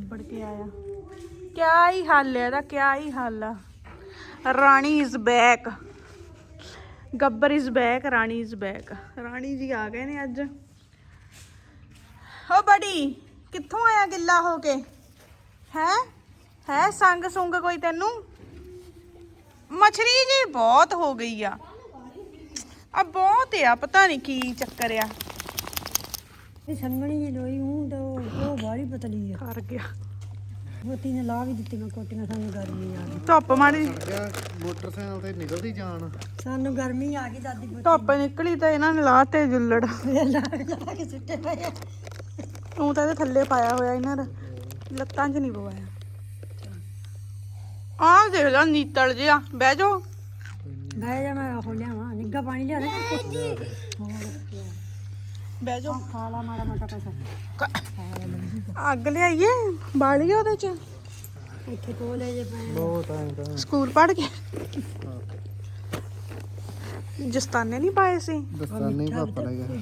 ਲਿਬੜ ਕੇ ਆਇਆ। ਕਿਆ ਹੀ ਹੱਲ ਹੈ ਇਹਦਾ, ਕਿਆ ਹੀ ਹੱਲ ਆ। Rani is back, Gabbar is back, Rani is back. Rani ji ਆ ਗਏ ਨੇ ਅੱਜ। ਓ ਬੜੀ ਕਿੱਥੋਂ ਆਇਆ ਗਿੱਲਾ ਹੋ ਕੇ? ਹੈ ਸੰਗ ਸੁੰਗ ਕੋਈ ਤੈਨੂੰ? ਮਛਲੀ ਜੀ ਬਹੁਤ ਹੋ ਗਈ ਆ ਬਹੁਤ ਆ, ਪਤਾ ਨਹੀਂ ਕੀ ਚੱਕਰ ਆ। ਇਹ ਸੰਗਣੀ ਜੀ ਲੋਈ ਹੂੰ ਤਾਂ ਉਹ ਬਾਹਲੀ ਪਤਲੀ ਆ। ਕਰ ਗਿਆ ਮੋਤੀ ਨੇ ਲਾ ਵੀ ਦਿੱਤੀਆਂ ਕੋਟੀਆਂ, ਸਾਨੂੰ ਗਰਮੀ ਆ ਗਈ। ਧੁੱਪ ਮਾੜੀ ਮੋਟਰਸਾਈਕਲ ਤੇ ਨਿਕਲਦੀ ਜਾਣ, ਸਾਨੂੰ ਗਰਮੀ ਆ ਗਈ ਦਾਦੀ ਧੁੱਪ ਨਿਕਲੀ ਤਾਂ ਇਹਨਾਂ ਨੇ ਲਾਤੇ ਜੁੱਲੜ। ਲਾ ਕੇ ਸੁੱਟੇ ਪਏ ਆ। ਤੂੰ ਤਾਂ ਇਹਦੇ ਥੱਲੇ ਪਾਇਆ ਹੋਇਆ, ਇਹਨਾਂ ਦਾ ਲੱਤਾਂ 'ਚ ਨਹੀਂ ਪਵਾਇਆ। ਆਹ ਦੇਖ ਲਾ ਨੀਤਲ ਜਿਹਾ। ਬਹਿ ਜਾਓ ਬਹਿ ਜਾ, ਮੈਂ ਉਹ ਲਿਆਵਾਂ ਨਿੱਘਾ ਪਾਣੀ ਲਿਆ ਦੇ। ਬਹਿ ਜਾਓ। ਖਾ ਲਾ ਮਾੜਾ ਮੋਟਾ ਕੁਛ। ਅੱਗ ਲਿਆਈਏ ਬਾਲੀਏ ਉਹਦੇ 'ਚ। ਇੱਥੇ ਕੋਲੇ ਜੇ ਪਏ ਬਹੁਤ ਟਾਈਮ ਤਾਂ ਸਕੂਲ ਪੜ੍ਹ ਕੇ ਜਸਤਾਨੇ ਨਹੀਂ ਪਾਏ ਸੀ। ਦਸਤਾਨੇ ਪਾਪਾ ਲੈ ਗਿਆ।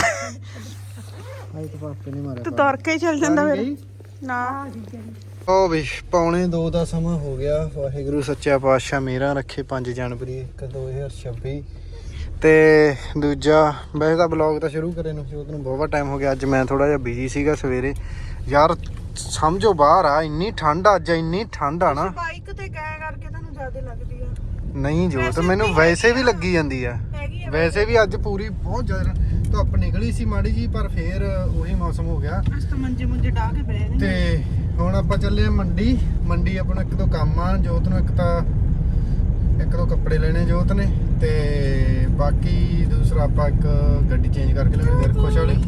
ਆਈ ਤਾਂ ਪਾਪੇ ਨੇ ਮਾਰਿਆ। ਤੂੰ ਤੁਰ ਕੇ ਹੀ ਚੱਲ ਜਾਂਦਾ ਫਿਰ। ਨਾ ਉਹ ਵੀ 2:45 ਦਾ ਸਮਾਂ ਹੋ ਗਿਆ। ਵਾਹਿਗੁਰੂ ਸੱਚਾ ਪਾਤਸ਼ਾਹ ਮੇਰਾ ਰੱਖੇ। 5 ਜਨਵਰੀ 2026 ਤੇ ਦੂਜਾ ਵੈਸੇ ਤਾਂ ਬਲੌਗ ਤਾਂ ਸ਼ੁਰੂ ਕਰੇ ਨੂੰ ਜੋਤ ਨੂੰ ਬਹੁਤ ਟਾਈਮ ਹੋ ਗਿਆ। ਅੱਜ ਮੈਂ ਥੋੜਾ ਜਿਹਾ ਬਿਜੀ ਸੀਗਾ ਸਵੇਰੇ। ਯਾਰ ਸਮਝੋ ਬਾਹਰ ਆ, ਇੰਨੀ ਠੰਡ ਆ ਅੱਜ, ਇੰਨੀ ਠੰਡ ਆ ਨਾ। ਬਾਈਕ ਤੇ ਗਏ ਕਰਕੇ ਤੁਹਾਨੂੰ ਜ਼ਿਆਦਾ ਲੱਗਦੀ ਆ। ਨਹੀਂ ਜੋਤ, ਮੈਨੂੰ ਵੈਸੇ ਵੀ ਲੱਗੀ ਜਾਂਦੀ ਆ। ਵੈਸੇ ਵੀ ਅੱਜ ਪੂਰੀ ਬਹੁਤ ਜ਼ਿਆਦਾ ਧੁੱਪ ਨਿਕਲੀ ਸੀ ਮਾੜੀ ਜੀ, ਪਰ ਫੇਰ ਉਹੀ ਮੌਸਮ ਹੋ ਗਿਆ। ਅਸ ਤਾਂ ਮੰਜੇ ਮੁੰਜੇ ਢਾ ਕੇ ਬਹਿ ਗਏ। ਤੇ ਹੁਣ ਆਪਾਂ ਚੱਲੇ ਆ ਮੰਡੀ ਆਪਣਾ ਇੱਕ ਦੋ ਕੰਮ ਆ। ਜੋਤ ਨੂੰ ਇੱਕ ਦੋ ਕੱਪੜੇ ਲੈਣੇ ਜੋਤ ਨੇ, ਤੇ ਬਾਕੀ ਦੂਸਰਾ ਆਪਾਂ ਇੱਕ ਗੱਡੀ ਚੇਂਜ ਕਰਕੇ ਲੈਣੀ ਫਿਰ ਖੁਸ਼ ਵਾਲੀ।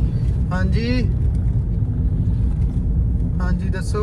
ਹਾਂਜੀ ਦੱਸੋ।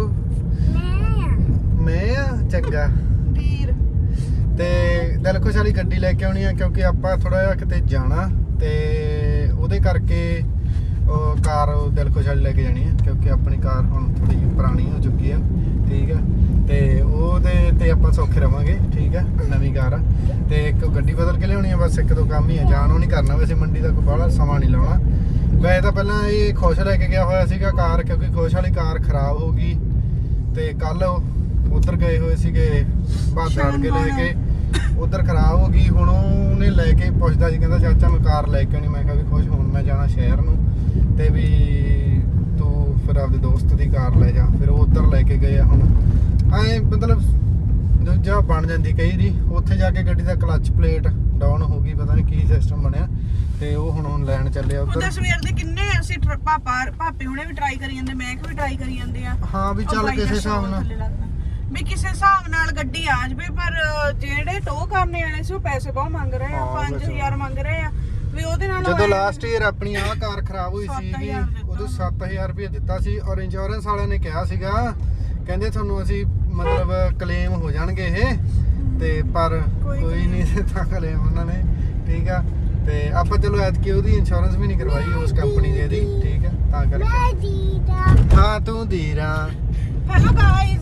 ਮੈਂ ਚੰਗਾ ਵੀਰ ਤੇ ਦਿਲਖੁਸ਼ ਵਾਲੀ ਗੱਡੀ ਲੈ ਕੇ ਆਉਣੀ ਆ, ਕਿਉਂਕਿ ਆਪਾਂ ਥੋੜਾ ਜਿਹਾ ਕਿਤੇ ਜਾਣਾ ਤੇ ਉਹਦੇ ਕਰਕੇ ਉਹ ਕਾਰ ਦਿਲਖੁਸ਼ ਵਾਲੀ ਲੈ ਕੇ ਜਾਣੀ ਆ, ਕਿਉਂਕਿ ਆਪਣੀ ਕਾਰ ਹੁਣ ਥੋੜੀ ਜਿਹੀ ਪੁਰਾਣੀ ਹੋ ਚੁੱਕੀ ਆ। ਠੀਕ ਆ, ਤੇ ਉਹਦੇ ਤੇ ਆਪਾਂ ਸੌਖੇ ਰਵਾਂਗੇ। ਠੀਕ ਆ, ਨਵੀਂ ਕਾਰ ਆ ਤੇ ਇੱਕ ਗੱਡੀ ਬਦਲ ਕੇ ਲਿਆਉਣੀ ਆ। ਬਸ ਇੱਕ ਦੋ ਕੰਮ ਹੀ ਆ, ਜਾਣ ਉਹ ਨਹੀਂ ਕਰਨਾ। ਵੈਸੇ ਮੰਡੀ ਦਾ ਕੋਈ ਬਾਹਲਾ ਸਮਾਂ ਨਹੀਂ ਲਾਉਣਾ। ਵੈਸੇ ਤਾਂ ਪਹਿਲਾਂ ਇਹ ਖੁਸ਼ ਲੈ ਕੇ ਗਿਆ ਹੋਇਆ ਸੀਗਾ ਕਾਰ, ਕਿਉਂਕਿ ਖੁਸ਼ ਵਾਲੀ ਕਾਰ ਖਰਾਬ ਹੋ ਗਈ ਤੇ ਕੱਲ ਉਧਰ ਗਏ ਹੋਏ ਸੀਗੇ ਬਾਦਰ ਕੇ ਲੈ ਕੇ, ਉਧਰ ਖਰਾਬ ਹੋ ਗਈ। ਹੁਣ ਉਹਨੇ ਲੈ ਕੇ ਪੁੱਛਦਾ ਜੀ, ਕਹਿੰਦਾ ਚਾਚਾ ਮੈਂ ਕਾਰ ਲੈ ਕੇ ਆਉਣੀ। ਮੈਂ ਕਿਹਾ ਵੀ ਖੁਸ਼, ਹੁਣ ਮੈਂ ਜਾਣਾ ਸ਼ਹਿਰ ਨੂੰ ਤੇ ਵੀ ਤੂੰ ਫਿਰ ਆਪਦੇ ਦੋਸਤ ਦੀ ਕਾਰ ਲੈ ਜਾ। ਫਿਰ ਉਹ ਉਧਰ ਲੈ ਕੇ ਗਏ ਆ। ਹੁਣ ਐ ਮਤਲਬ ਦੂਜਾ ਬਣ ਜਾਂਦੀ ਕਈ ਦੀ। ਉੱਥੇ ਜਾ ਕੇ ਗੱਡੀ ਦਾ ਕਲੱਚ ਪਲੇਟ ਡਾਊਨ ਹੋ ਗਈ, ਪਤਾ ਨਹੀਂ ਕੀ ਸਿਸਟਮ ਬਣਿਆ, ਤੇ ਉਹ ਹੁਣ ਲੈਣ ਚੱਲੇ ਆ ਉਧਰ। ਸਵੇਰ ਦੇ ਕਿੰਨੇ ਅਸੀਂ ਭਾਪੇ ਹੁਣੇ ਵੀ ਟਰਾਈ ਕਰੀ ਜਾਂਦੇ, ਮੈਂ ਵੀ ਟਰਾਈ ਕਰੀ ਜਾਂਦੇ ਆ। ਹਾਂ ਵੀ ਚੱਲ ਕਿਸੇ ਹਿਸਾਬ ਨਾਲ ਵੀ ਕਿਸੇ ਹਿਸਾਬ ਨਾਲ ਗੱਡੀ ਆ ਜਾਵੇ, ਪਰ ਜਿਹੜੇ ਟੋ ਕਰਨੇ ਵਾਲੇ ਸੀ ਉਹ ਪੈਸੇ ਬਹੁਤ ਮੰਗ ਰਹੇ ਆ। 5000 ਮੰਗ ਰਹੇ ਆ ਵੀ ਉਹਦੇ ਨਾਲ। ਜਦੋਂ ਲਾਸਟ ਈਅਰ ਆਪਣੀ ਆਹ ਕਾਰ ਖਰਾਬ ਹੋਈ ਸੀ ਉਦੋਂ 7000 ਰੁਪਏ ਦਿੱਤਾ ਸੀ, ਔਰ ਇੰਸ਼ੋਰੈਂਸ ਵਾਲਿਆਂ ਨੇ ਕਿਹਾ ਸੀਗਾ, ਕਹਿੰਦੇ ਤੁਹਾਨੂੰ ਅਸੀਂ ਮਤਲਬ ਕਲੇਮ ਹੋ ਜਾਣਗੇ ਇਹ, ਤੇ ਪਰ ਕੋਈ ਨਹੀਂ ਦਿੱਤਾ ਕਲੇਮ ਉਹਨਾਂ ਨੇ। ਠੀਕ ਆ, ਤੇ ਆਪਾਂ ਚਲੋ ਐਤਕੀ ਉਹਦੀ ਇੰਸ਼ੋਰੈਂਸ ਵੀ ਨਹੀਂ ਕਰਵਾਈ ਉਸ ਕੰਪਨੀ ਦੀ। ਠੀਕ ਆ, ਤਾਂ ਕਰਕੇ। ਹਾਂ ਤੂੰ ਧੀਰਾ। ਹੈਲੋ ਗਾਇਜ਼,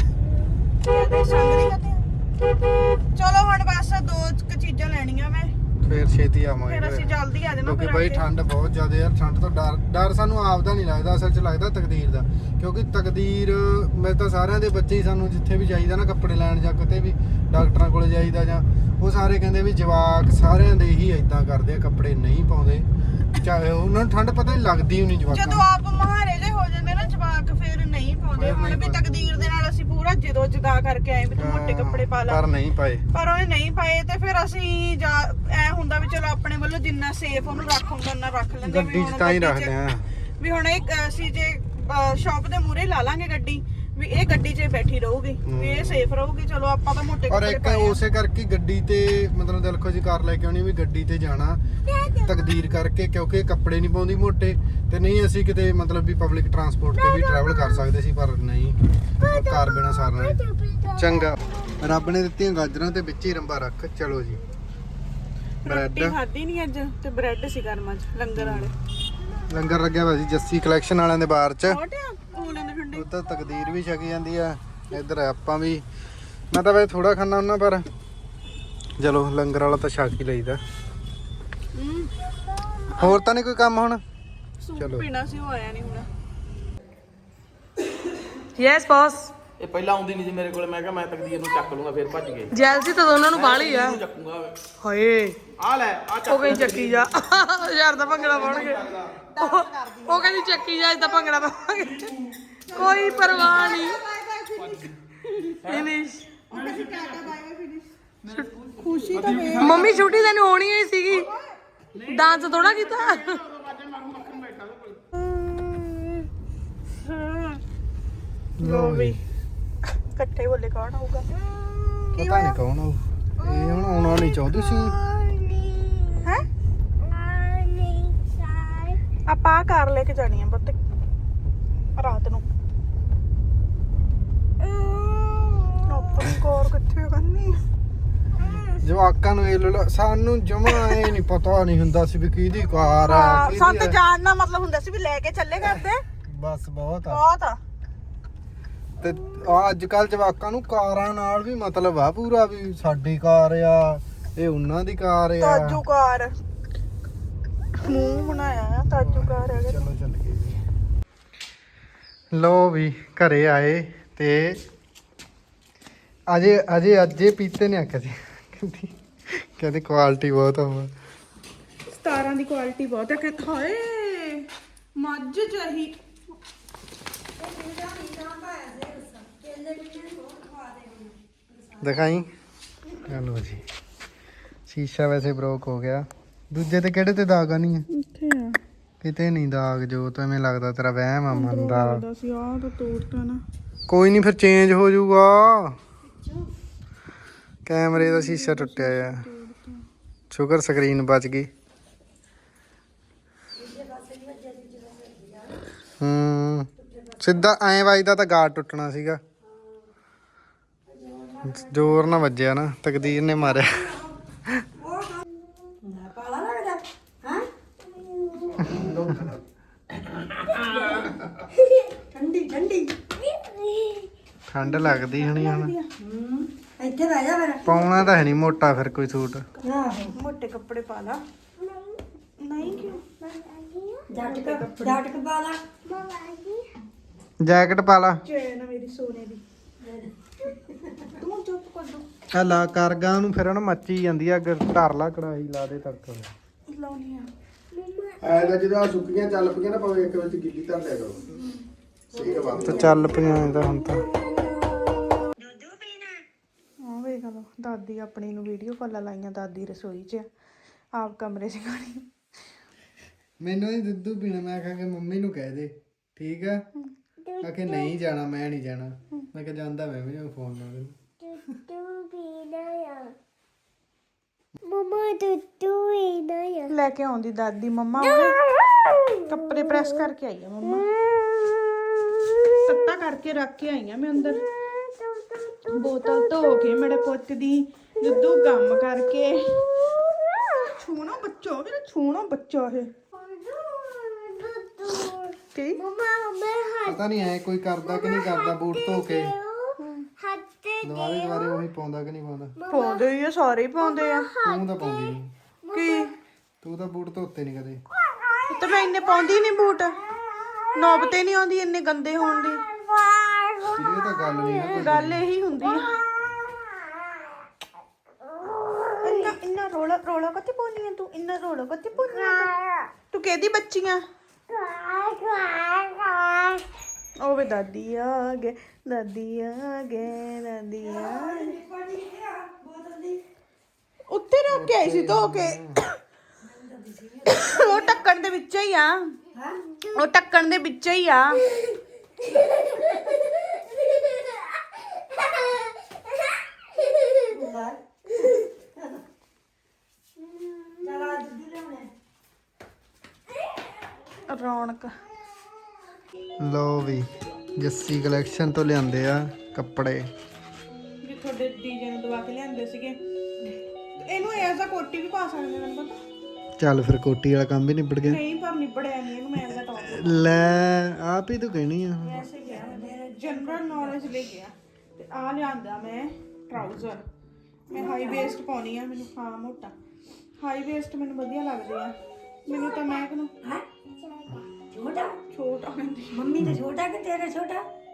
ਚਲੋ ਹੁਣ ਬਸ ਦੋ ਚੀਜ਼ਾਂ ਲੈਣੀਆਂ ਮੈਂ, ਫੇਰ ਛੇਤੀ ਆਵਾਂਗੇ। ਫਿਰ ਅਸੀਂ ਜਲਦੀ ਆ ਜਾਣਾ। ਕਿਉਂਕਿ ਬਾਈ ਠੰਡ ਬਹੁਤ ਜ਼ਿਆਦਾ ਯਾਰ। ਠੰਡ ਤੋਂ ਡਰ ਸਾਨੂੰ ਆਪਦਾ ਨਹੀਂ ਲੱਗਦਾ, ਅਸਲ 'ਚ ਲੱਗਦਾ ਤਕਦੀਰ ਦਾ। ਕਿਉਂਕਿ ਤਕਦੀਰ ਮੇਰੇ ਤਾਂ ਸਾਰਿਆਂ ਦੇ ਬੱਚੇ ਹੀ, ਸਾਨੂੰ ਜਿੱਥੇ ਵੀ ਜਾਈਦਾ ਨਾ ਕੱਪੜੇ ਲੈਣ ਜਾਂ ਕਿਤੇ ਵੀ ਡਾਕਟਰਾਂ ਕੋਲ ਜਾਈਦਾ, ਜਾਂ ਉਹ ਸਾਰੇ ਕਹਿੰਦੇ ਵੀ ਜਵਾਕ ਸਾਰਿਆਂ ਦੇ ਹੀ ਇਦਾਂ ਕਰਦੇ ਆ, ਕੱਪੜੇ ਨਹੀਂ ਪਾਉਂਦੇ। ਚਾਹੇ ਉਹਨਾਂ ਨੂੰ ਠੰਡ ਪਤਾ ਨਹੀਂ ਲੱਗਦੀ ਹੀ ਨਹੀਂ ਜਵਾਕਾਂ। ਜਦੋਂ ਆਪ ਮਹਾਰੇ ਜੇ ਹੋ ਜਾਂਦੇ ਨਾ ਜਵਾਕ, ਫਿਰ ਨਹੀਂ ਪਾਉਂਦੇ। ਹੁਣ ਵੀ ਤਕਦੀਰ ਦੇ ਨਾਲ ਅਸੀਂ ਪੂਰਾ ਜਦੋਂ ਜਦਾ ਕਰਕੇ ਆਏ ਵੀ ਤੂੰ ਮੋਟੇ ਕੱਪੜੇ ਪਾ ਲੈ, ਪਰ ਨਹੀਂ ਪਾਏ। ਪਰ ਉਹਨੇ ਨਹੀਂ ਪਾਏ, ਤੇ ਫਿਰ ਅਸੀਂ ਐ ਹੁੰਦਾ ਵੀ ਚਲੋ ਆਪਣੇ ਵੱਲੋਂ ਜਿੰਨਾ ਸੇਫ ਉਹਨੂੰ ਰੱਖ ਹੁੰਦਾ ਉਹਨਾਂ ਰੱਖ ਲੈਂਦੇ। ਗੱਡੀ 'ਚ ਤਾਂ ਹੀ ਰੱਖਦੇ ਆ ਵੀ ਹੁਣ ਇੱਕ ਅਸੀਂ ਜੇ ਸ਼ਾਪ ਦੇ ਮੂਹਰੇ ਲਾ ਲਾਂਗੇ ਗੱਡੀ, ਵੀ ਇਹ ਗੱਡੀ 'ਚ ਬੈਠੀ ਰਹੂਗੀ, ਵੀ ਇਹ ਸੇਫ ਰਹੂਗੀ। ਚਲੋ ਆਪਾਂ ਤਾਂ ਮੋਟੇ ਔਰ ਕੱਪੜੇ ਇੱਕ ਪਾਏ। ਉਸੇ ਕਰਕੇ ਗੱਡੀ ਤੇ ਮਤਲਬ ਦਿਲਖੁਸ਼ ਕਾਰ ਲੈ ਕੇ ਆਉਣੀ, ਵੀ ਗੱਡੀ ਤੇ ਜਾਣਾ ਤਕਦੀਰ ਕਰਕੇ, ਕਿਉਂਕਿ ਕੱਪੜੇ ਨਹੀਂ ਪਾਉਂਦੀ ਮੋਟੇ। ਤੇ ਨਹੀਂ ਅਸੀਂ ਕਿਤੇ ਮਤਲਬ ਵੀ ਪਬਲਿਕ ਟਰਾਂਸਪੋਰਟ ਤੇ ਵੀ ਟਰੈਵਲ ਕਰ ਸਕਦੇ ਸੀ, ਪਰ ਨਹੀਂ, ਕਾਰ ਬਿਨਾ ਸਰਨਾ। ਚੰਗਾ, ਰੱਬ ਨੇ ਦਿੱਤੀਆਂ ਗਾਜਰਾਂ ਤੇ ਵਿੱਚ ਹੀ ਰੰਬਾ ਰੱਖ। ਚਲੋ ਜੀ, ਬ੍ਰੈਡ ਖਾਧੀ ਨਹੀਂ ਅੱਜ, ਤੇ ਬ੍ਰੈਡ ਸੀ ਗਰਮਾਂ 'ਚ ਲੰਗਰ ਵਾਲੇ। ਲੰਗਰ ਲੱਗਿਆ ਹੋਇਆ ਸੀ ਜੱਸੀ ਕਲੈਕਸ਼ਨ ਵਾਲਿਆਂ ਦੇ ਬਾਹਰ 'ਚ। ਠੰਡੇ ਤਾਂ ਤਕਦੀਰ ਵੀ ਛਕੀ ਜਾਂਦੀ ਆ, ਇੱਧਰ ਆਪਾਂ ਵੀ। ਮੈਂ ਤਾਂ ਵੈਸੇ ਥੋੜਾ ਖਾਣਾ ਹੁੰਦਾ, ਪਰ ਚਲੋ ਲੰਗਰ ਵਾਲਾ ਤਾਂ ਛਕ ਹੀ ਲਈਦਾ। ਹੋਰ ਤਾਂ ਨਹੀਂ ਕੋਈ ਕੰਮ ਹੁਣ? ਚਲੋ ਪੀਣਾ ਸੀ, ਉਹ ਆਇਆ ਨਹੀਂ ਹੁਣ। Yes boss. ਇਹ ਪਹਿਲਾਂ ਆਉਂਦੀ ਨਹੀਂ ਸੀ ਮੇਰੇ ਕੋਲ, ਮੈਂ ਕਿਹਾ ਮੈਂ ਤਕਦੀਰ ਨੂੰ ਚੱਕ ਲੂੰਗਾ, ਫਿਰ ਭੱਜ ਗਏ। ਜੈਲਸੀ ਤਾਂ ਦੋਨਾਂ ਨੂੰ ਬਾਹਲੀ ਆ। ਇਹਨੂੰ ਚੱਕੂਗਾ। ਹਾਏ ਆ ਲੈ ਆ ਚੱਕ। ਉਹ ਕਹਿੰਦੀ ਚੱਕੀ ਜਾ ਯਾਰ ਦਾ ਭੰਗੜਾ ਪਾਉਣਗੇ। ਉਹ ਕਹਿੰਦੀ ਚੱਕੀ ਜਾ ਇਦਾਂ ਭੰਗੜਾ ਪਾਵਾਂਗੇ। ਕੋਈ ਪਰਵਾਹ ਨਹੀਂ। ਫਿਨਿਸ਼। ਖੁਸ਼ੀ ਤਾਂ ਵੇ ਮੰਮੀ ਛੁੱਟੀ ਤੈਨੂੰ ਹੋਣੀ ਹੀ ਸੀਗੀ, ਡਾਂਸ ਥੋੜਾ ਕੀਤਾ। ਲੋ ਵੀ ਇਕੱਠੇ ਬੋਲੇ ਕੌਣ ਆਊਗਾ? ਪਤਾ ਨਹੀਂ ਕੌਣ ਆਊ। ਇਹ ਹੁਣ ਆਉਣਾ ਨਹੀਂ ਚਾਹੁੰਦੀ ਸੀ। ਹੈ ਆਪਾਂ ਆਹ ਕਾਰ ਲੈ ਕੇ ਜਾਣੀ ਆ ਪੁੱਤ ਰਾਤ ਨੂੰ। ਆਪਣੀ ਕਾਰ ਕਿੱਥੇ ਕਰਨੀ? ਜਵਾਕਾਂ ਨੂੰ ਇਹ ਸਾਨੂੰ ਜਮਾ ਇਹ ਨਹੀਂ ਪਤਾ ਨਹੀਂ ਹੁੰਦਾ ਸੀ ਵੀ ਕਿਹਦੀ ਕਾਰ ਆ ਸਾਨੂੰ ਤਾਂ ਜਾਣਨਾ ਮਤਲਬ ਹੁੰਦਾ ਸੀ ਵੀ ਲੈ ਕੇ ਚੱਲੇ ਕਰਦੇ। ਬਸ ਬਹੁਤ ਆ। ਬਹੁਤ ਆ। ਤੇ ਅੱਜ ਕੱਲ ਜਵਾਕਾਂ ਨੂੰ ਕਾਰਾਂ ਨਾਲ ਵੀ ਮਤਲਬ ਆ ਪੂਰਾ, ਵੀ ਸਾਡੀ ਕਾਰ ਆ, ਇਹ ਉਹਨਾਂ ਦੀ ਕਾਰ ਆ। ਤਾਜੂ ਕਾਰ ਮੂੰਹ ਬਣਾਇਆ ਆ, ਤਾਜੂ ਕਾਰ ਹੈਗਾ। ਚਲੋ ਚੱਲ ਗਏ ਜੀ। ਲੋ ਵੀ ਘਰੇ ਆਏ ਤੇ ਅਜੇ ਪੀਤੇ ਨੇ ਆਖਿਆ ਸੀ, ਕਹਿੰਦੀ ਕੁਆਲਿਟੀ ਬਹੁਤ ਆ। 17 ਦੀ ਕੁਆਲਿਟੀ ਬਹੁਤ ਹੈ। ਕਹਿੰਦਾ ਹਾਏ ਮੱਝ ਚਾਹੀ ਦਿਖਾਈ। ਚਲੋ ਜੀ, ਸ਼ੀਸ਼ਾ ਵੈਸੇ ਬ੍ਰੋਕ ਹੋ ਗਿਆ। ਦੂਜੇ ਤੇ ਕਿਹੜੇ ਤੇ ਦਾਗ ਨਹੀਂ ਹੈ? ਇੱਥੇ ਆ ਕਿਤੇ ਨਹੀਂ ਦਾਗ। ਜੋ ਤਾਂ ਐਵੇਂ ਲੱਗਦਾ ਤੇਰਾ ਵਹਿਮ ਆ ਮਨ ਦਾ। ਲੱਗਦਾ ਸੀ ਆਹ ਤਾਂ ਤੋੜਤਾ ਨਾ। ਕੋਈ ਨਹੀਂ, ਫਿਰ ਚੇਂਜ ਹੋ ਜਾਊਗਾ। ਕੈਮਰੇ ਦਾ ਸ਼ੀਸ਼ਾ ਟੁੱਟਿਆ ਆ। ਸ਼ੁਕਰ ਸਕਰੀਨ ਬਚ ਗਈ। ਸਿੱਧਾ ਐਂ ਵੱਜਦਾ ਤਾਂ ਗਾਰਡ ਟੁੱਟਣਾ ਸੀਗਾ। ਜ਼ੋਰ ਨਾ ਵੱਜਿਆ ਨਾ, ਤਕਦੀਰ ਨੇ ਮਾਰਿਆ। ਪਾਲਾ ਲੱਗਦਾ ਹਾਂ। ਠੰਡੀ ਠੰਡੀ ਠੰਡ ਲੱਗਦੀ ਹੋਣੀ ਹੁਣ। ਇੱਥੇ ਬਹਿ ਜਾ ਫਿਰ। ਪਾਉਣਾ ਤਾਂ ਹੈ ਨਹੀਂ ਮੋਟਾ ਫਿਰ ਕੋਈ ਸੂਟ। ਆਹੋ ਮੋਟੇ ਕੱਪੜੇ ਪਾ ਲਾ। ਨਹੀਂ ਕਿਉਂ? ਜੱਟ ਪਾ ਲਾ। ਜੈਕਟ ਪਾ ਲਾ। ਚੈਨ ਮੇਰੀ ਸੋਨੇ ਦੀ। ਤੂੰ ਚੁੱਪ ਕਰ ਦੋ। ਆ ਲਾ ਕਰਗਾ ਨੂੰ, ਫਿਰ ਉਹਨੂੰ ਮੱਚੀ ਜਾਂਦੀ ਆ। ਅੱਗੇ ਧਰ ਲਾ ਕੜਾਹੀ, ਲਾ ਦੇ ਤੜਕਾ। ਲਾਉਣੀ ਆ। ਐ ਤਾਂ ਜਦੋਂ ਸੁੱਕੀਆਂ ਚੱਲ ਪਈਆਂ ਨਾ, ਭਾਵੇਂ ਇੱਕ ਵਿੱਚ ਗਿੱਲੀ ਧਰ ਲਿਆ ਕਰੋ। ਸਹੀ ਬਾਤ ਤਾਂ ਚੱਲ ਪਈਆਂ ਤਾਂ ਹੁਣ ਤਾਂ। ਹਾਂ ਵੇਖ ਲਓ, ਦਾਦੀ ਆਪਣੀ ਨੂੰ ਵੀਡੀਓ ਕਾਲਾਂ ਲਾਈਆਂ। ਦਾਦੀ ਰਸੋਈ 'ਚ ਆਪ ਕਮਰੇ 'ਚ ਗਾਣੀ। ਮੈਨੂੰ ਨਹੀਂ ਦੁੱਧੂ ਪੀਣਾ। ਮੈਂ ਕਿਹਾ ਕਿ ਮੰਮੀ ਨੂੰ ਕਹਿ ਦੇ, ਠੀਕ ਆ। ਆਖੇ ਨਹੀਂ ਜਾਣਾ, ਮੈਂ ਨਹੀਂ ਜਾਣਾ। ਮੈਂ ਕਿਹਾ ਜਾਂਦਾ ਮੈਂ ਵੀ ਫੋਨ ਲਾ ਦੇ। ਲੈ ਕੇ ਆਉਂਦੀ ਦਾਦੀ। ਮੰਮਾ ਉਹਦੇ ਕੱਪੜੇ ਪ੍ਰੈਸ ਕਰਕੇ ਆਈ ਆ। ਮੰਮਾ ਤੱਤਾ ਕਰਕੇ ਰੱਖ ਕੇ ਆਈ ਆ ਮੈਂ ਅੰਦਰ। ਬੋਤਲ ਧੋ ਕੇ ਮੇਰੇ ਪੁੱਤ ਦੀ ਦੁੱਧੂ ਕੰਮ ਕਰਕੇ। ਛੂਣਾ ਬੱਚਾ ਮੇਰਾ, ਛੂਣਾ ਬੱਚਾ ਇਹ ਕੀ? ਪਤਾ ਨਹੀਂ ਐ ਕੋਈ ਕਰਦਾ ਕਿ ਨਹੀਂ ਕਰਦਾ। ਬੂਟ ਧੋ ਕੇ ਦੁਬਾਰੇ ਉਹੀ ਪਾਉਂਦਾ ਕਿ ਨਹੀਂ ਪਾਉਂਦਾ। ਪਾਉਂਦੇ ਹੀ ਆ, ਸਾਰੇ ਹੀ ਪਾਉਂਦੇ ਆ। ਤੂੰ ਤਾਂ ਪਾਉਂਦੀ ਨਹੀਂ। ਕੀ ਤੂੰ ਤਾਂ ਬੂਟ ਧੋਤੇ ਨਹੀਂ ਕਦੇ। ਤੇ ਮੈਂ ਇੰਨੇ ਪਾਉਂਦੀ ਨਹੀਂ ਬੂਟ। ਨੌਬ ਤੇ ਨਹੀਂ ਆਉਂਦੀ ਇੰਨੇ ਗੰਦੇ ਹੋਣ ਦੀ। ਇਹ ਤਾਂ ਗੱਲ ਨਹੀਂ ਨਾ ਕੋਈ। ਗੱਲ ਇਹੀ ਹੁੰਦੀ ਆ। ਇੰਨਾ ਰੋਲਾ ਰੋਲਾ ਕੱਤੇ ਪਾਉਣੀ ਆ ਤੂੰ? ਇੰਨਾ ਰੋਲਾ ਕੱਤੇ ਪਾਉਣੀ ਆ ਤੂੰ? ਕਿਹਦੀ ਬੱਚੀ ਆ? ਉਹ ਵੇ ਦਾਦੀ ਆ ਗਏ, ਦਾਦੀ ਆ ਗਏ, ਦਾਦੀ ਆ ਗਏ। ਉੱਤੇ ਰੱਖ ਕੇ ਆਈ ਸੀ ਧੋ ਕੇ। ਉਹ ਢੱਕਣ ਦੇ ਵਿੱਚ ਹੀ ਆ। ਉਹ ਢੱਕਣ ਦੇ ਵਿੱਚ ਹੀ ਆ। ਰੌਣਕ। ਲੋ ਵੀ ਜੱਸੀ ਕਲੈਕਸ਼ਨ ਤੋਂ ਲਿਆਂਦੇ ਆ ਕੱਪੜੇ। ਜੇ ਤੁਹਾਡੇ ਡੀਜੇ ਨੂੰ ਦਵਾ ਕੇ ਲਿਆਂਦੇ ਸੀਗੇ। ਇਹਨੂੰ ਐਜ਼ ਆ ਕੋਟੀ ਵੀ ਪਾ ਸਕਦੇ ਮੈਨੂੰ ਪਤਾ। ਚੱਲ ਫਿਰ ਕੋਟੀ ਵਾਲਾ ਕੰਮ ਵੀ ਨਿਬੜ ਗਿਆ। ਨਹੀਂ ਪਰ ਨਿਬੜਿਆ ਨਹੀਂ। ਇਹਨੂੰ ਮੈਂ ਐਜ਼ ਆ ਟੌਪ ਲੈ ਆਪ ਹੀ ਤੂੰ ਕਹਿਣੀ ਆ। ਵੈਸੇ ਗਿਆ ਮੈਂ ਜਨਰਲ ਨੌਲੇਜ ਲੈ ਗਿਆ। ਤੇ ਆ ਲਿਆਂਦਾ ਮੈਂ ਟਰਾਊਜ਼ਰ। ਮੈਂ ਹਾਈ ਵੇਸਟ ਪਾਉਣੀ ਆ। ਮੈਨੂੰ ਹਾਂ ਮੋਟਾ ਹਾਈ ਵੇਸਟ ਮੈਨੂੰ ਵਧੀਆ ਲੱਗਦੇ ਆ। ਮੈਨੂੰ ਤਾਂ ਮੈਂ ਕਿਹਨੂੰ ਛੋਟਾ ਛੋਟਾ ਕਹਿੰਦੀ। ਮੰਮੀ ਤੇ ਛੋਟਾ ਕਿ ਤੇਰਾ ਛੋਟਾ?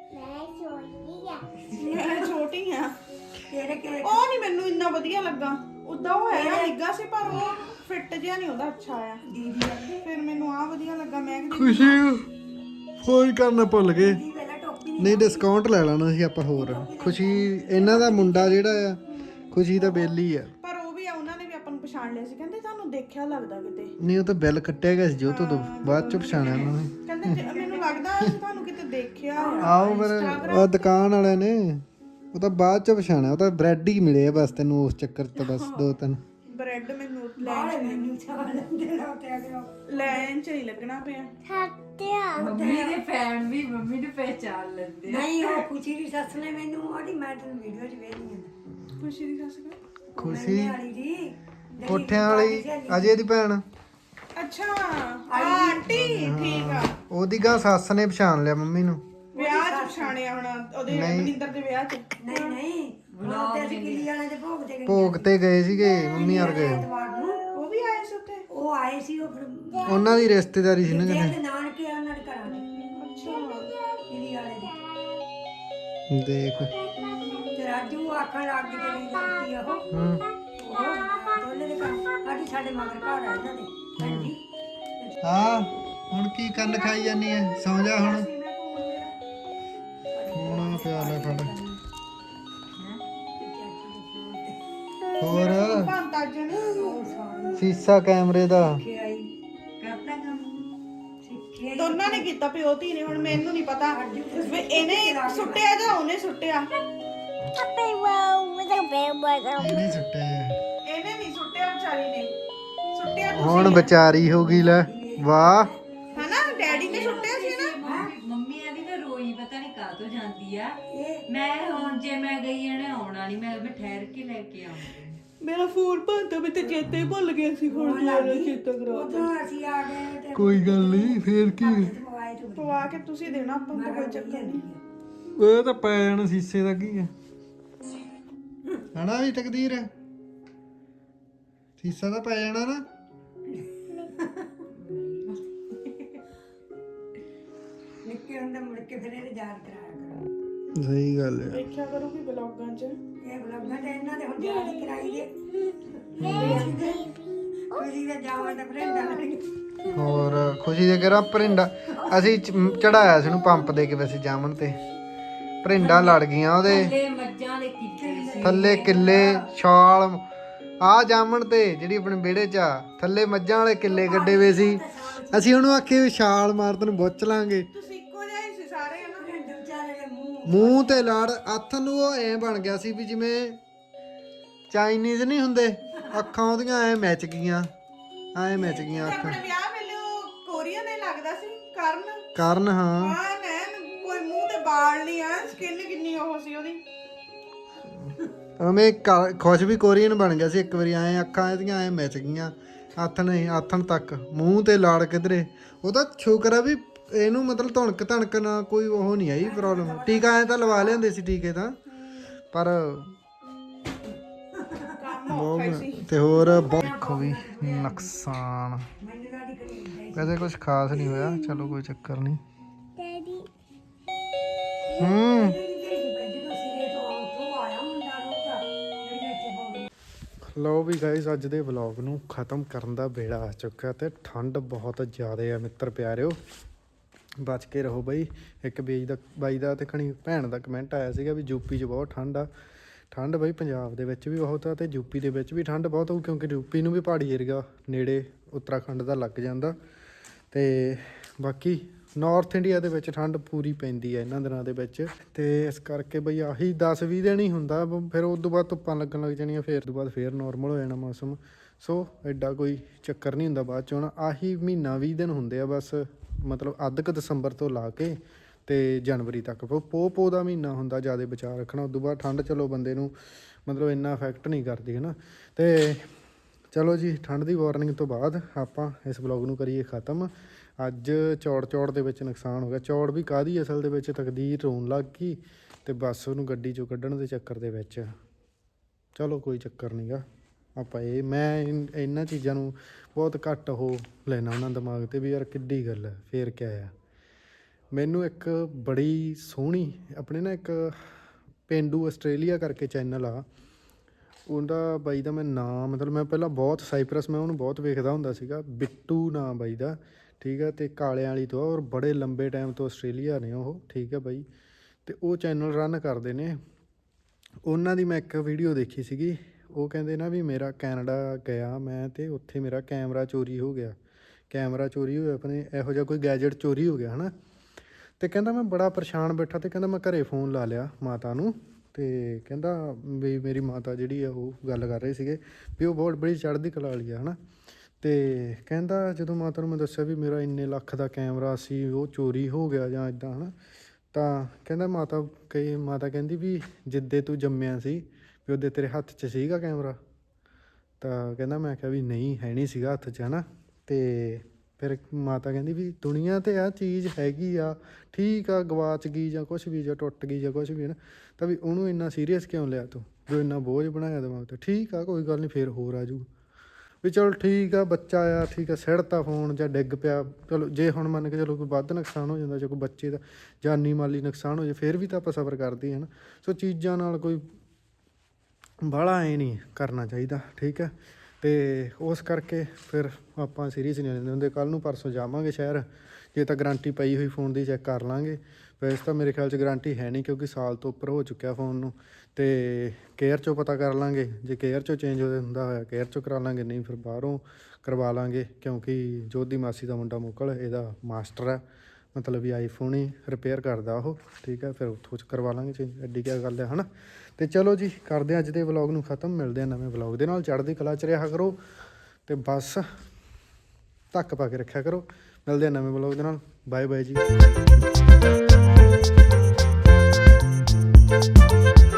ਮੈਂ ਛੋਟੀ ਆ। ਤੇਰੇ ਕਿਹੜੇ ਉਹ ਨਹੀਂ ਮੈਨੂੰ ਇੰਨਾ ਵਧੀਆ ਲੱਗਾ। ਉਦਾਂ ਉਹ ਹੈਗਾ ਨਿੱਘਾ ਸੀ ਪਰ ਉਹ ਫਿੱਟ ਜਿਹਾ ਨਹੀਂ ਉਹਦਾ ਅੱਛਾ ਆਇਆ। ਦੀਦੀ ਫਿਰ ਮੈਨੂੰ ਆ ਵਧੀਆ ਲੱਗਾ। ਮੈਂ ਕਿਹਾ ਖੁਸ਼ੀ ਫੋਨ ਕਰਨਾ ਭੁੱਲ ਗਏ। ਦੀ ਵੇਲਾ ਟੋਪੀ ਨਹੀਂ ਡਿਸਕਾਊਂਟ ਲੈ ਲੈਣਾ ਸੀ ਆਪਾਂ ਹੋਰ। ਖੁਸ਼ੀ ਇਹਨਾਂ ਦਾ ਮੁੰਡਾ ਜਿਹੜਾ ਆ, ਖੁਸ਼ੀ ਦਾ ਬੇਲੀ ਆ। ਪਰ ਉਹ ਵੀ ਆ, ਉਹਨਾਂ ਨੇ ਵੀ ਆਪਾਂ ਨੂੰ ਪਛਾਣ ਲਿਆ ਸੀ। ਕਹਿੰਦੇ ਤੁਹਾਨੂੰ ਦੇਖਿਆ ਲੱਗਦਾ ਕਿਤੇ। ਨਹੀਂ ਉਹ ਤਾਂ ਬਿੱਲ ਕੱਟਿਆ ਗਿਆ ਸੀ ਜੋ ਤੋਂ ਬਾਅਦ ਚ ਪਛਾਣਿਆ ਉਹਨਾਂ ਨੇ। ਕਹਿੰਦੇ ਮੈਨੂੰ ਲੱਗਦਾ ਅਸੀਂ ਤੁਹਾਨੂੰ ਕਿਤੇ ਦੇਖਿਆ ਆ। ਆਓ ਫਿਰ ਉਹ ਦੁਕਾਨ ਵਾਲੇ ਨੇ ਉਹ ਤਾਂ ਬਾਅਦ ਚ ਪਛਾਣਿਆ। ਉਹ ਤਾਂ ਬ੍ਰੈਡ ਹੀ ਮਿਲੇ ਆ ਬਸ ਤੈਨੂੰ ਉਸ ਚੱਕਰ ਤੋਂ ਬਸ 2-3 ਬ੍ਰੈਡ ਮੈਨੂੰ ਬਾਹਰ ਮੈਨੂੰ ਛਾਣ ਲੈਂਦੇ ਰੋ ਤੇ ਆ ਗਿਆ ਲੈਣ ਚ ਨਹੀਂ ਲੱਗਣਾ ਪਿਆ। ਮੰਮੀ ਦੇ ਫੈਨ ਵੀ ਮੰਮੀ ਨੂੰ ਪਹਿਚਾਨ ਲੈਂਦੇ ਆ। ਨਹੀਂ ਉਹ ਖੁਸ਼ੀ ਦੀ ਸੱਸ ਨੇ ਮੈਨੂੰ ਉਹਦੀ ਮੈਂ ਤੈਨੂੰ ਵੀਡੀਓ 'ਚ ਵੇਖਣੀ ਆ ਖੁਸ਼ੀ ਦੀ ਸੱਸ ਦਾ। ਖੁਸ਼ੀ ਵਾਲੀ ਦੀ ਕੋਠਿਆਂ ਵਾਲੀ ਅਜੇ ਦੀ ਭੈਣ। ਅੱਛਾ ਆਂਟੀ ਠੀਕ ਆ। ਉਹਦੀ ਗਾ ਸੱਸ ਨੇ ਪਛਾਣ ਲਿਆ ਮੰਮੀ ਨੂੰ। ਵਿਆਹ ਚ ਪਛਾਣਿਆ ਹੁਣ ਉਹਦੇ ਮਨਿੰਦਰ ਦੇ ਵਿਆਹ ਚ। ਨਹੀਂ ਨਹੀਂ ਬਲੌਗ ਤੇ ਅਸੀਂ ਕਿਲੀ ਵਾਲਿਆਂ ਦੇ ਭੋਗ ਤੇ ਗਏ ਭੋਗ ਤੇ ਗਏ ਸੀਗੇ ਮੰਮੀ ਯਾਰ ਗਏ। ਐਤਵਾਰ ਨੂੰ ਉਹ ਵੀ ਆਏ ਸੀ ਉੱਥੇ। ਉਹ ਆਏ ਸੀ ਉਹ ਫਿਰ ਉਹਨਾਂ ਦੀ ਰਿਸ਼ਤੇਦਾਰੀ ਸੀ ਨਾ ਦੇ ਕਿਤੇ। ਨਾਨਕੇ ਆ ਉਹਨਾਂ ਦੇ ਘਰਾਂ ਦੇ ਅੱਛਾ ਕਿਲੀ ਵਾਲੇ ਦੇ ਦੇਖ ਤੇ ਰਾਜੂ ਆਖਣ ਲੱਗ ਗਈ ਤੇਰੀ ਦਾਤੀ ਆ ਉਹ ਦੋਨੇ ਦੇ ਘਰ ਸਾਡੀ ਸਾਡੇ ਮਗਰ ਘਰ ਆ ਇਹਨਾਂ ਦੇ ਹਾਂਜੀ ਹਾਂ ਹੁਣ ਕੀ ਕੰਨ ਖਾਈ ਜਾਨੀ ਐ? ਸੌਂ ਜਾ ਹੁਣ। ਹੁਣ ਪਿਆ ਲੈ ਫੜ। ਹੋਰ ਭਾਂਤਾ ਜਣ ਸੀਸਾ ਕੈਮਰੇ ਦਾ ਕਰਤਾ ਕੰਮ ਸਿੱਖੇ ਦੋਨਾਂ ਨੇ ਕੀਤਾ ਪਿਓ ਧੀ ਨੇ। ਹੁਣ ਮੈਨੂੰ ਨਹੀਂ ਪਤਾ ਵੀ ਇਹਨੇ ਸੁੱਟਿਆ ਜਾਂ ਉਹਨੇ ਸੁੱਟਿਆ। ਇਹਨੇ ਸੁੱਟਿਆ ਇਹਨੇ ਨਹੀਂ ਸੁੱਟਿਆ ਵਿਚਾਰੀ ਨੇ ਸੁੱਟਿਆ ਹੁਣ ਵਿਚਾਰੀ ਹੋ ਗਈ ਲੈ। ਵਾਹ ਹਨਾ ਡੈਡੀ ਨੇ ਸੁੱਟਿਆ ਸੀ ਨਾ। ਮੰਮੀ ਆਦੀ ਮੈਂ ਰੋਈ ਪਤਾ ਨਹੀਂ ਕਾਹ ਤੋਂ ਜਾਂਦੀ ਆ। ਮੈਂ ਹੁਣ ਜੇ ਮੈਂ ਗਈ ਇਹਨੇ ਆਉਣਾ ਨਹੀਂ। ਮੈਂ ਠਹਿਰ ਕੇ ਲੈ ਕੇ ਆਉਂਗੀ। ਮੇਰਾ ਫੋਨ ਭਾਂਤਾ ਵੀ ਤੇ ਚੇਤੇ ਹੀ ਭੁੱਲ ਗਿਆ ਸੀ। ਹੁਣ ਦੁਬਾਰਾ ਚੇਤਾ ਕਰਾ ਉਦੋਂ ਅਸੀਂ ਆ ਗਏ ਤੇ ਕੋਈ ਗੱਲ ਨਹੀਂ ਫੇਰ ਕੀ ਮੋਬਾਈਲ ਤੋਂ ਪਵਾ ਕੇ ਤੁਸੀਂ ਦੇਣਾ ਆਪਾਂ ਨੂੰ ਤਾਂ ਕੋਈ ਚੱਕਰ ਨਹੀਂ। ਇਹ ਤਾਂ ਪੈ ਜਾਣਾ ਸੀਸੇ ਦਾ ਕੀ ਹੈ ਹਨਾ ਵੀ ਤਕਦੀਰ ਹੈ। ਸੀਸਾ ਤਾਂ ਪੈ ਜਾਣਾ ਨਾ। ਨਿੱਕੇ ਹੁੰਦੇ ਮੁੜ ਕੇ ਫਿਰ ਇਹਦੇ ਯਾਦ ਕਰਾਇਆ ਕਰੋ ਸਹੀ ਗੱਲ ਹੈ। ਦੇਖਿਆ ਕਰੂਗੀ ਬਲੌਗਾਂ 'ਚ। ਇਹ ਬਲੌਗਾਂ ਤੇ ਇਹਨਾਂ ਦੇ ਹੁਣ ਯਾਦ ਹੀ ਕਰਾਈ ਦੇ ਕੋਈ ਵੀ ਜਾਵਾਂ ਤਾਂ ਫਰੈਂਡਾਂ ਨਾਲ ਹੋਰ ਖੁਸ਼ੀ ਦੇ ਘਰਾਂ ਭਰਿੰਡਾ ਅਸੀਂ ਚੜਾਇਆ ਸੀ ਉਹਨੂੰ ਪੰਪ ਦੇ ਕੇ ਵੈਸੇ ਜਾਮਨ ਤੇ ਭਰਿੰਡਾ ਲੜ ਗਈਆਂ ਉਹਦੇ ਥੱਲੇ ਮੱਝਾਂ ਦੇ ਕਿੱਲੇ ਸੀ। ਥੱਲੇ ਕਿੱਲੇ ਛਾਲ ਆ ਜਾਮਣ ਤੇ ਜਿਹੜੀ ਆਪਣੇ ਵਿਹੜੇ 'ਚ ਆ ਥੱਲੇ ਮੱਝਾਂ ਵਾਲੇ ਕਿੱਲੇ ਗੱਡੇ ਵੇ ਸੀ। ਅਸੀਂ ਉਹਨੂੰ ਆਖੇ ਵੀ ਛਾਲ ਮਾਰ ਤੈਨੂੰ ਬੁੱਚ ਲਾਂਗੇ। ਤੁਸੀਂ ਇੱਕੋ ਜਿਹੇ ਹੀ ਸੀ ਸਾਰੇ ਹਨਾ। ਵਿਚਾਰੇ ਦੇ ਮੂੰਹ ਮੂੰਹ ਤੇ ਲੜ ਹੱਥ ਨੂੰ ਉਹ ਐ ਬਣ ਗਿਆ ਸੀ ਵੀ ਜਿਵੇਂ ਚਾਈਨੀਜ਼ ਨਹੀਂ ਹੁੰਦੇ ਅੱਖਾਂ ਉਹਦੀਆਂ ਐ ਮੈਚ ਗਈਆਂ ਅੱਖਾਂ। ਆਪਣੇ ਵਿਆਹ ਵੇਲੇ ਉਹ ਕੋਰੀਅਨ ਹੀ ਲੱਗਦਾ ਸੀ ਕਰਨ। ਕਾਰਨ ਹਾਂ ਹਾਂ ਨੈਣ ਕੋਈ ਮੂੰਹ ਤੇ ਵਾਲ ਨਹੀਂ ਆ। ਸਕਿਨ ਕਿੰਨੀ ਉਹ ਸੀ ਉਹਦੀ। ਉਵੇਂ ਖੁਸ਼ ਵੀ ਕੋਰੀਅਨ ਬਣ ਗਿਆ ਸੀ ਇੱਕ ਵਾਰੀ। ਐ ਅੱਖਾਂ ਇਹਦੀਆਂ ਐ ਮੈਚ ਗਈਆਂ ਆਥਣ ਤੱਕ ਮੂੰਹ ਤੇ ਲਾੜ ਕਿਧਰੇ। ਉਹ ਤਾਂ ਸ਼ੁਕਰ ਆ ਵੀ ਇਹਨੂੰ ਮਤਲਬ ਧਣਕ ਨਾ ਕੋਈ ਉਹ ਨਹੀਂ ਆਈ ਪ੍ਰੋਬਲਮ। ਟੀਕਾ ਐ ਤਾਂ ਲਵਾ ਲਿਆਂਦੇ ਸੀ ਟੀਕੇ ਤਾਂ ਪਰ ਕੰਮ ਔਖਾ ਹੀ ਸੀ। ਤੇ ਹੋਰ ਦੇਖੋ ਵੀ ਨੁਕਸਾਨ ਮੈਨੂੰ ਦਾਦੀ ਕਰੀ ਵੈਸੇ ਕੁਝ ਖਾਸ ਨਹੀਂ ਹੋਇਆ। ਚਲੋ ਕੋਈ ਚੱਕਰ ਨਹੀਂ। ਹੂੰ ਜਦੋਂ ਸਿਰੇ ਤੋਂ ਉੱਥੋਂ ਆਇਆ ਮੁੰਡਾ ਰੋਕਾ ਜਿਹੜੇ ਇੱਥੇ ਹੋ ਗਏ ਲਓ ਵੀ ਗਾਇਸ ਅੱਜ ਦੇ ਵਲੌਗ ਨੂੰ ਖਤਮ ਕਰਨ ਦਾ ਵੇਲਾ ਆ ਚੁੱਕਾ ਤੇ ਠੰਡ ਬਹੁਤ ਜ਼ਿਆਦਾ ਆ ਮਿੱਤਰ ਪਿਆਰਿਓ। ਬਚ ਕੇ ਰਹੋ ਬਈ। ਇੱਕ ਬਾਈ ਦਾ ਤੇ ਖਣੀ ਭੈਣ ਦਾ ਕਮੈਂਟ ਆਇਆ ਸੀਗਾ ਵੀ ਯੂਪੀ 'ਚ ਬਹੁਤ ਠੰਡ ਆ। ਠੰਡ ਬਈ ਪੰਜਾਬ ਦੇ ਵਿੱਚ ਵੀ ਬਹੁਤ ਆ ਤੇ ਯੂਪੀ ਦੇ ਵਿੱਚ ਵੀ ਠੰਡ ਬਹੁਤ ਹੋਊ ਕਿਉਂਕਿ ਯੂਪੀ ਨੂੰ ਵੀ ਪਹਾੜੀ ਏਰੀਆ ਨੇੜੇ ਉੱਤਰਾਖੰਡ ਦਾ ਲੱਗ ਜਾਂਦਾ। ਤੇ ਬਾਕੀ ਨਾਰਥ ਇੰਡੀਆ ਦੇ ਵਿੱਚ ਠੰਡ ਪੂਰੀ ਪੈਂਦੀ ਹੈ ਇਹਨਾਂ ਦਿਨਾਂ ਦੇ ਵਿੱਚ। ਤੇ ਇਸ ਕਰਕੇ ਬਈ ਆਹੀ 10-20 ਦਿਨ ਹੀ ਹੁੰਦਾ। ਫਿਰ ਉਸ ਤੋਂ ਬਾਅਦ ਧੁੱਪਾਂ ਲੱਗਣ ਲੱਗ ਜਾਣੀਆਂ। ਫਿਰ ਤੋਂ ਬਾਅਦ ਫਿਰ ਨੋਰਮਲ ਹੋ ਜਾਣਾ ਮੌਸਮ। ਸੋ ਐਡਾ ਕੋਈ ਚੱਕਰ ਨਹੀਂ ਹੁੰਦਾ ਬਾਅਦ 'ਚ। ਹੁਣ ਆਹੀ ਮਹੀਨਾ 20 ਦਿਨ ਹੁੰਦੇ ਆ ਬਸ। ਮਤਲਬ ਅੱਧ ਕੁ ਦਸੰਬਰ ਤੋਂ ਲਾ ਕੇ ਤੇ ਜਨਵਰੀ ਤੱਕ ਪੋ ਦਾ ਮਹੀਨਾ ਹੁੰਦਾ ਜ਼ਿਆਦਾ ਬਚਾਅ ਰੱਖਣਾ। ਉਸ ਤੋਂ ਬਾਅਦ ਠੰਡ ਚਲੋ ਬੰਦੇ ਨੂੰ ਮਤਲਬ ਇੰਨਾ ਇਫੈਕਟ ਨਹੀਂ ਕਰਦੀ ਹੈ ਨਾ। ਤੇ ਚਲੋ ਜੀ ਠੰਡ ਦੀ ਵਾਰਨਿੰਗ ਤੋਂ ਬਾਅਦ ਆਪਾਂ ਇਸ ਵਲੌਗ ਨੂੰ ਕਰੀਏ ਖ਼ਤਮ। ਅੱਜ ਚੌੜ ਦੇ ਵਿੱਚ ਨੁਕਸਾਨ ਹੋ ਗਿਆ। ਚੌੜ ਵੀ ਕਾਹਦੀ ਅਸਲ ਦੇ ਵਿੱਚ ਤਕਦੀਰ ਰੋਣ ਲੱਗ ਗਈ ਤੇ ਬਸ ਉਹਨੂੰ ਗੱਡੀ 'ਚੋਂ ਕੱਢਣ ਦੇ ਚੱਕਰ ਦੇ ਵਿੱਚ। ਚਲੋ ਕੋਈ ਚੱਕਰ ਨਹੀਂ ਗਾ। ਆਪਾਂ ਮੈਂ ਇਹਨਾਂ ਚੀਜ਼ਾਂ ਨੂੰ ਬਹੁਤ ਘੱਟ ਉਹ ਲੈਣਾ ਉਹਨਾਂ ਦਿਮਾਗ 'ਤੇ ਵੀ ਯਾਰ ਕਿੱਡੀ ਗੱਲ ਹੈ ਫੇਰ ਕਿਆ ਆ। ਮੈਨੂੰ ਇੱਕ ਬੜੀ ਸੋਹਣੀ ਆਪਣੇ ਨਾ ਇੱਕ ਪੇਂਡੂ ਆਸਟ੍ਰੇਲੀਆ ਕਰਕੇ ਚੈਨਲ ਆ, ਉਹਦਾ ਬਾਈ ਦਾ ਮੈਂ ਨਾਮ ਮਤਲਬ ਮੈਂ ਪਹਿਲਾਂ ਬਹੁਤ ਸਾਈਪਰਸ ਮੈਂ ਉਹਨੂੰ ਬਹੁਤ ਵੇਖਦਾ ਹੁੰਦਾ ਸੀਗਾ, ਬਿੱਟੂ ਨਾਮ ਬਾਈ ਦਾ, ਠੀਕ ਹੈ। ਅਤੇ ਕਾਲਿਆਂ ਵਾਲੀ ਤੋਂ ਔਰ ਬੜੇ ਲੰਬੇ ਟਾਈਮ ਤੋਂ ਆਸਟ੍ਰੇਲੀਆ ਨੇ ਉਹ, ਠੀਕ ਹੈ ਬਾਈ। ਅਤੇ ਉਹ ਚੈਨਲ ਰਨ ਕਰਦੇ ਨੇ। ਉਹਨਾਂ ਦੀ ਮੈਂ ਇੱਕ ਵੀਡੀਓ ਦੇਖੀ ਸੀਗੀ, ਉਹ ਕਹਿੰਦੇ ਨਾ ਵੀ ਮੇਰਾ ਕੈਨੇਡਾ ਗਿਆ ਮੈਂ ਅਤੇ ਉੱਥੇ ਮੇਰਾ ਕੈਮਰਾ ਚੋਰੀ ਹੋ ਗਿਆ, ਕੈਮਰਾ ਚੋਰੀ ਹੋਇਆ, ਆਪਣੇ ਇਹੋ ਜਿਹਾ ਕੋਈ ਗੈਜਟ ਚੋਰੀ ਹੋ ਗਿਆ ਹੈ ਨਾ। ਅਤੇ ਕਹਿੰਦਾ ਮੈਂ ਬੜਾ ਪਰੇਸ਼ਾਨ ਬੈਠਾ, ਅਤੇ ਕਹਿੰਦਾ ਮੈਂ ਘਰੇ ਫ਼ੋਨ ਲਾ ਲਿਆ ਮਾਤਾ ਨੂੰ, ਅਤੇ ਕਹਿੰਦਾ ਵੀ ਮੇਰੀ ਮਾਤਾ ਜਿਹੜੀ ਆ ਉਹ ਗੱਲ ਕਰ ਰਹੇ ਸੀਗੇ ਵੀ ਉਹ ਬਹੁਤ ਬੜੀ ਚੜ੍ਹਦੀ ਕਲਾ ਵਾਲੀ ਆ ਹੈ ਨਾ। ਅਤੇ ਕਹਿੰਦਾ ਜਦੋਂ ਮਾਤਾ ਨੂੰ ਮੈਂ ਦੱਸਿਆ ਵੀ ਮੇਰਾ ਇੰਨੇ ਲੱਖ ਦਾ ਕੈਮਰਾ ਸੀ ਉਹ ਚੋਰੀ ਹੋ ਗਿਆ ਜਾਂ ਇੱਦਾਂ ਹੈ ਨਾ, ਤਾਂ ਕਹਿੰਦਾ ਮਾਤਾ ਕਹਿੰਦੀ ਵੀ ਜਿੱਦੇ ਤੂੰ ਜੰਮਿਆ ਸੀ ਵੀ ਉਹਦੇ ਤੇਰੇ ਹੱਥ 'ਚ ਸੀਗਾ ਕੈਮਰਾ, ਤਾਂ ਕਹਿੰਦਾ ਮੈਂ ਕਿਹਾ ਵੀ ਨਹੀਂ ਹੈ ਨਹੀਂ ਸੀਗਾ ਹੱਥ 'ਚ ਹੈ ਨਾ। ਅਤੇ ਫਿਰ ਮਾਤਾ ਕਹਿੰਦੀ ਵੀ ਦੁਨੀਆ 'ਤੇ ਆਹ ਚੀਜ਼ ਹੈਗੀ ਆ, ਠੀਕ ਆ, ਗਵਾਚ ਗਈ ਜਾਂ ਕੁਛ ਵੀ ਜਾਂ ਟੁੱਟ ਗਈ ਜਾਂ ਕੁਛ ਵੀ ਹੈ ਨਾ, ਤਾਂ ਵੀ ਉਹਨੂੰ ਇੰਨਾ ਸੀਰੀਅਸ ਕਿਉਂ ਲਿਆ ਤੂੰ, ਜੋ ਇੰਨਾ ਬੋਝ ਬਣਾਇਆ ਦਿਮਾਗ 'ਤੇ। ਠੀਕ ਆ ਕੋਈ ਗੱਲ ਨਹੀਂ, ਫਿਰ ਹੋਰ ਆ ਜੂ ਵੀ ਚਲੋ ਠੀਕ ਆ, ਬੱਚਾ ਆ, ਠੀਕ ਆ, ਸਿੜਤਾ ਫੋਨ ਜਾਂ ਡਿੱਗ ਪਿਆ, ਚਲੋ ਜੇ ਹੁਣ ਮੰਨ ਕੇ ਚਲੋ ਕੋਈ ਵੱਧ ਨੁਕਸਾਨ ਹੋ ਜਾਂਦਾ ਜਾਂ ਕੋਈ ਬੱਚੇ ਦਾ ਜਾਨੀ ਮਾਲੀ ਨੁਕਸਾਨ ਹੋ ਜਾਏ ਫਿਰ ਵੀ ਤਾਂ ਆਪਾਂ ਸਬਰ ਕਰਦੇ ਹਾਂ ਨਾ। ਸੋ ਚੀਜ਼ਾਂ ਨਾਲ ਕੋਈ ਬਾਹਲਾ ਐਂ ਨਹੀਂ ਕਰਨਾ ਚਾਹੀਦਾ, ਠੀਕ ਹੈ। ਅਤੇ ਉਸ ਕਰਕੇ ਫਿਰ ਆਪਾਂ ਸੀਰੀਅਸ ਨਹੀਂ ਲੈਂਦੇ ਹੁੰਦੇ। ਕੱਲ੍ਹ ਨੂੰ ਪਰਸੋਂ ਜਾਵਾਂਗੇ ਸ਼ਹਿਰ, ਜੇ ਤਾਂ ਗਰੰਟੀ ਪਈ ਹੋਈ ਫੋਨ ਦੀ ਚੈੱਕ ਕਰ ਲਾਂਗੇ। ਵੈਸੇ ਤਾਂ ਮੇਰੇ ਖਿਆਲ 'ਚ ਗਰੰਟੀ ਹੈ ਨਹੀਂ ਕਿਉਂਕਿ ਸਾਲ ਤੋਂ ਉੱਪਰ ਹੋ ਚੁੱਕਿਆ ਫ਼ੋਨ ਨੂੰ। ਅਤੇ ਕੇਅਰ 'ਚੋਂ ਪਤਾ ਕਰ ਲਾਂਗੇ, ਜੇ ਕੇਅਰ 'ਚੋਂ ਚੇਂਜ ਹੁੰਦਾ ਹੋਇਆ ਕੇਅਰ 'ਚੋਂ ਕਰਾ ਲਾਂਗੇ, ਨਹੀਂ ਫਿਰ ਬਾਹਰੋਂ ਕਰਵਾ ਲਾਂਗੇ ਕਿਉਂਕਿ ਜੋਤ ਦੀ ਮਾਸੀ ਦਾ ਮੁੰਡਾ ਮੁਕਲ ਇਹਦਾ ਮਾਸਟਰ ਹੈ, ਮਤਲਬ ਵੀ ਆਈਫੋਨ ਹੀ ਰਿਪੇਅਰ ਕਰਦਾ ਉਹ, ਠੀਕ ਹੈ। ਫਿਰ ਉੱਥੋਂ 'ਚ ਕਰਵਾ ਲਾਂਗੇ ਚੇਂਜ, ਐਡੀ ਕਿਆ ਗੱਲ ਹੈ ਹੈ ਨਾ। ਅਤੇ ਚਲੋ ਜੀ ਕਰਦੇ ਹਾਂ ਅੱਜ ਦੇ ਵਲੋਗ ਨੂੰ ਖ਼ਤਮ, ਮਿਲਦੇ ਹਾਂ ਨਵੇਂ ਵਲੋਗ ਦੇ ਨਾਲ। ਚੜ੍ਹਦੀ ਕਲਾ 'ਚ ਰਿਹਾ ਕਰੋ ਅਤੇ ਬਸ ਧੱਕ ਪਾ ਕੇ ਰੱਖਿਆ ਕਰੋ। ਮਿਲਦੇ ਹਾਂ ਨਵੇਂ ਵਲੋਗ ਦੇ ਨਾਲ, ਬਾਏ ਬਾਏ ਜੀ।